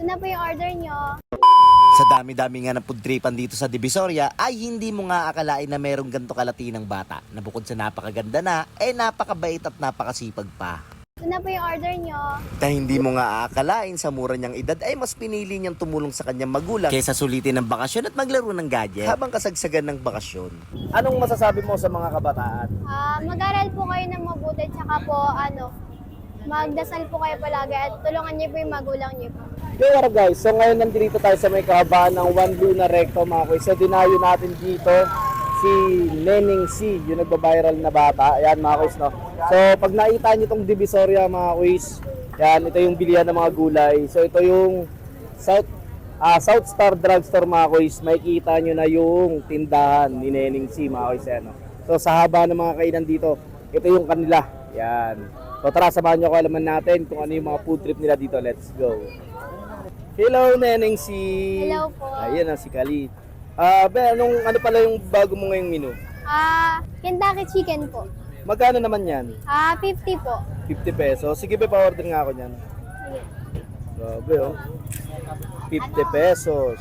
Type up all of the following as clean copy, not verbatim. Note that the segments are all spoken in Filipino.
na po yung order nyo. Sa dami-dami nga ng pudtripan dito sa Divisoria ay hindi mo nga akalain na merong ganito kalati ng bata na bukod sa napakaganda na, napakabait at napakasipag pa. Ito na po yung order nyo. Na hindi mo nga aakalain sa mura niyang edad ay mas pinili niyang tumulong sa kanyang magulang kaysa sulitin ng bakasyon at maglaro ng gadget habang kasagsagan ng bakasyon. Anong masasabi mo sa mga kabataan? Mag-aral po kayo ng mabuti, tsaka po magdasal po kayo palagi at tulungan niyo po yung magulang niyo po. Okay, what up guys? So ngayon nandito tayo sa may kahabaan ng One Luna Recto mga kuys. So dinayo natin dito si Neneng C, yung nagba-viral na bata. Ayan mga kuys, no? So pag nakita nyo itong Divisoria mga kuys, yan, ito yung bilihan ng mga gulay. So ito yung South Star Drugstore mga kuys. Makikita nyo na yung tindahan ni Neneng C mga kuys. Yan, no? So sa haba ng mga kainan dito, ito yung kanila. Yan. So tara, samahan nyo kaalaman natin kung ano yung mga food trip nila dito. Let's go. Hello, Neneng C. Hello po. Ayan na si Khalid. Ano pala yung bago mo ngayong menu? Kentucky chicken po. Magkano naman yan? 50 po. 50 pesos. Sige, pa-order nga ako niyan. Sige. Grabe, oh. 50 pesos.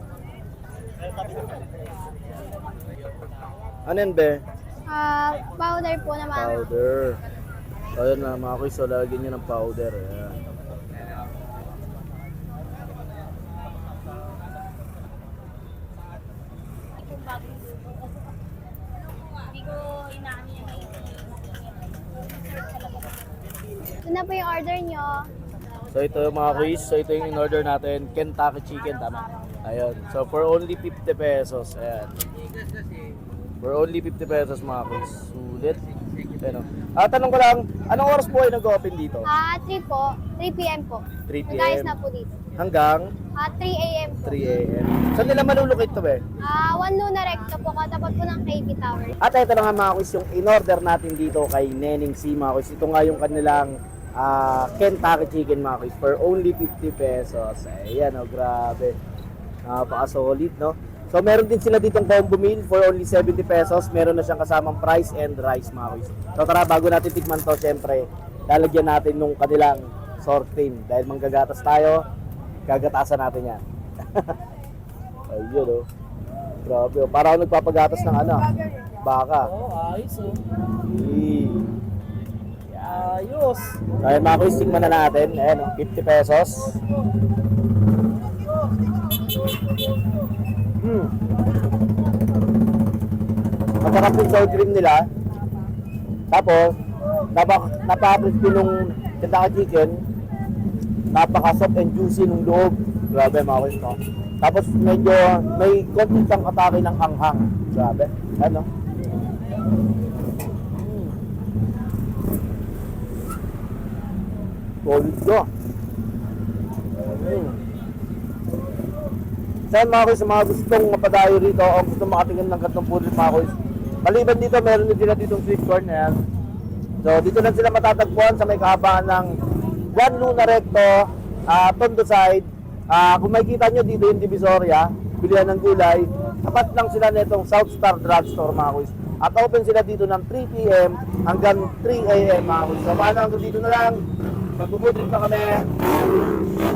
Ano yan, be? Powder po naman. Powder. Ayun na, mga kuys. So, lagyan nyo ng powder. Ayan. Ito na po yung order nyo. So ito yung mga kuys, so ito yung in-order natin, Kentucky chicken, tama? Ayun, so for only 50 pesos, ayan. For only 50 pesos mga kuys, sulit. Ayun, tanong ko lang, anong oras po ay nag-open dito? 3 po. 3 p.m. po. 3 p.m. Nag-ayos na po dito. Hanggang 3 a.m. po. 3 a.m. Saan nila malulukit to be? One Luna Recto po, katapat po ng KB Tower. At ito na nga mga kuys, yung in-order natin dito kay Neneng C mga kuys. Ito nga yung kanilang Kentucky chicken mga kuys for only 50 pesos. Ayan, oh, grabe. Napaka-solid, no? So meron din sila ditong combo meal for only 70 pesos. Meron na siyang kasamang fries and rice mga kuys. So tara, bago natin tikman to, syempre, lalagyan natin nung kanilang sour cream. Dahil manggagatas tayo, gagatasan natin yan. Ayun, oh. Grabe, oh. Para ako nagpapagatas ng baka. Ayos oh. Ayos. So ayun mga kuys, tingnan na natin. Ayan, 50 pesos. Masarap yung sour cream nila. Tapos, napaka-crispy nung Kentucky chicken. Napaka-soft and juicy nung loob. Grabe mga kuys, no? Tapos medyo may konti siyang atake ng anghang. Grabe. Ano? Solid ko. Saan mga kuys, sa mga gustong mapadayo rito o gustong makatingin ng gantong food mga kuys, maliban dito, meron din sila ditong sweet corn. Ayan. So dito lang sila matatagpuan sa may kahabaan ng One Luna Recto, Tondo side. Kung makikita nyo dito yung Divisoria, bilihan ng gulay, tapat lang sila nitong South Star Drugstore mga kuys. At open sila dito ng 3 p.m. hanggang 3 a.m. mga kuys. So paano hanggang dito na lang, magpupudrit na kami.